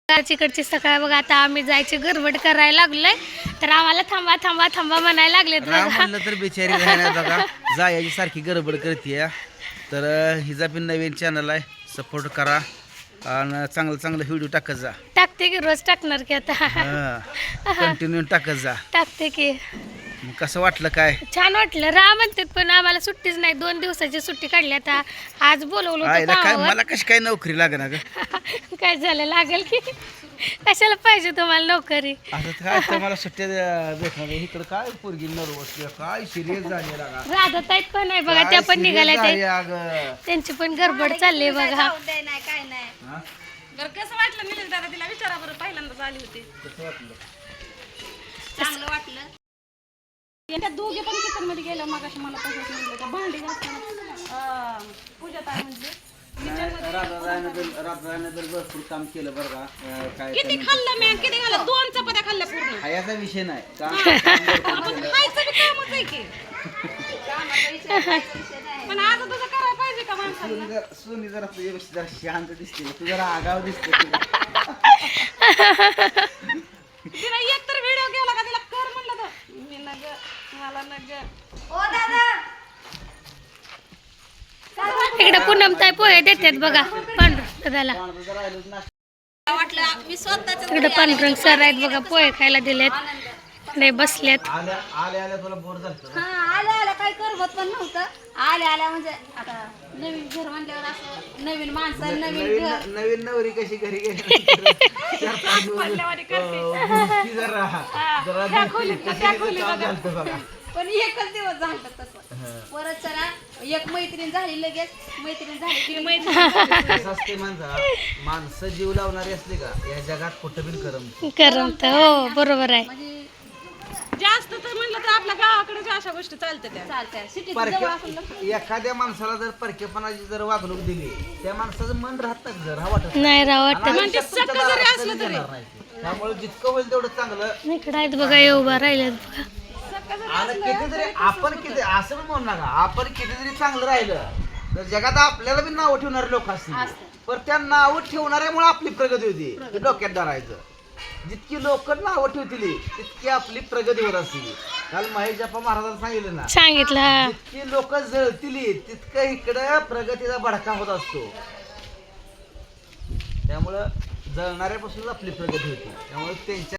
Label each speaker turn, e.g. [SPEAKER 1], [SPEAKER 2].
[SPEAKER 1] इकडची सकाळ बघा. आता आम्ही जायची गडबड करायला लागलोय तर आम्हाला थांबा थांबा थांबा म्हणायला लागले.
[SPEAKER 2] म्हणलं तर बिचारी राहणार बघा जायची सारखी गडबड करते. तर हिचा पण नवीन चॅनल आहे, सपोर्ट करा आणि चांगलं चांगलं व्हिडिओ टाकत जा.
[SPEAKER 1] टाकते की रोज टाकणार की आता
[SPEAKER 2] कंटिन्यू टाकत जा.
[SPEAKER 1] टाकते की.
[SPEAKER 2] मग कसं वाटलं काय?
[SPEAKER 1] छान वाटलं. राहा म्हणतात पण आम्हाला सुट्टीच नाही. 2 दिवसाची सुट्टी काढली. आता आज बोलवलं होतं
[SPEAKER 2] आईला काय
[SPEAKER 1] कामावर.
[SPEAKER 2] मला कशी काय नोकरी लागणार ग?
[SPEAKER 1] काय झालं लागेल की कशाला पाहिजे तुम्हाला नोकरी?
[SPEAKER 2] आता काय तर मला सुट्ट्या भेटणार इकडं काय पोरगी नर्वस काय सिरियस झाली लागा.
[SPEAKER 1] राधा ताईत पण आहे बघा, त्या पण निघाल्या. ते
[SPEAKER 2] अगं
[SPEAKER 1] त्यांची पण गडबड चालली बघा.
[SPEAKER 3] काय नाही
[SPEAKER 2] हा?
[SPEAKER 3] बरं कसं वाटलं निलेश दादा? तिला विचारा बरं, पहिल्यांदाच आली होती.
[SPEAKER 2] कसं वाटलं?
[SPEAKER 3] चांगलं वाटलं. त्या दोघे पण किचन मध्ये गेलं मग मला तसंच म्हणलं त्या भांडी घासताना पूजा ताई म्हणजे
[SPEAKER 2] राधाने तर भरपूर काम केलं बरं का. काय
[SPEAKER 3] किती खाल्लं मी, किती खाल्लं? 2 चपात्या खाल्ल्या पूर्ण.
[SPEAKER 2] खायचा विषय नाही
[SPEAKER 3] आपण खायचं बी कामच आहे की. पण आज तसं करायला पाहिजे का माणसाला?
[SPEAKER 2] सोनी जरा तुझ्यापेक्षा जरा शांत दिसते, तू जरा आगाव दिसते.
[SPEAKER 3] तिला एक तर व्हिडिओ केला का तिला कर म्हणलं तर मी नग मला नग. ओ दादा
[SPEAKER 1] इकडे पूनमताई पोहे देतात बघा पांडुरंगाला.
[SPEAKER 3] वाटलं मी स्वतःच
[SPEAKER 1] तिकडे पांडुरंग सर आहेत बघा, पोहे खायला दिलेत. नाही बसल्यात.
[SPEAKER 2] आल्या तुला बोर झालं.
[SPEAKER 3] आल्या काही करमत पण नव्हतं. आल्या म्हणजे आता नवीन घर म्हणल्यावर असं नवीन माणसं नवीन घर.
[SPEAKER 2] नवीन नवरी कशी घरी गेली
[SPEAKER 3] पण एकच दिवस झालं तसं. परत चला एक मैत्रीण झाली, लगेच मैत्रीण झाली की मैत्रीण.
[SPEAKER 2] माणसं जीव लावणारी असली का या जगात कुठं बिन
[SPEAKER 1] करमत. हो बरोबर आहे.
[SPEAKER 3] म्हणजे जास्त तर म्हणलं तर आपल्या गावाकडे अशा गोष्टी चालतात त्या चालत्या. सिटीत जवळ असून
[SPEAKER 2] एखाद्या माणसाला जर परकेपणाची जर वागणूक दिली त्या माणसाचं मन राहत नाही, जर हा वाटत
[SPEAKER 1] नाही राव वाटत.
[SPEAKER 2] त्यामुळे जितकं होईल तेवढं चांगलं.
[SPEAKER 1] इकडे आहेत बघा, हे उभा राहिल्यात बघा.
[SPEAKER 2] आणि कितीतरी आपण किती असं पण म्हणू नका, आपण कितीतरी चांगलं राहिलं तर जगात आपल्याला बी नावं ठेवणारे लोक असतील. पण त्या नावं ठेवणाऱ्यामुळे आपली प्रगती होती. हे डोक्यात धरायचं. जितकी लोक नावं ठेवतील तितकी आपली प्रगती होत असतील. काल महेश जप्पा महाराजांनी सांगितलं ना,
[SPEAKER 1] सांगितलं.
[SPEAKER 2] जितकी लोक जळतील तितकं इकडं प्रगतीचा भडका होत असतो. त्यामुळं जळणाऱ्यापासूनच आपली प्रगती होती. त्यामुळे त्यांच्या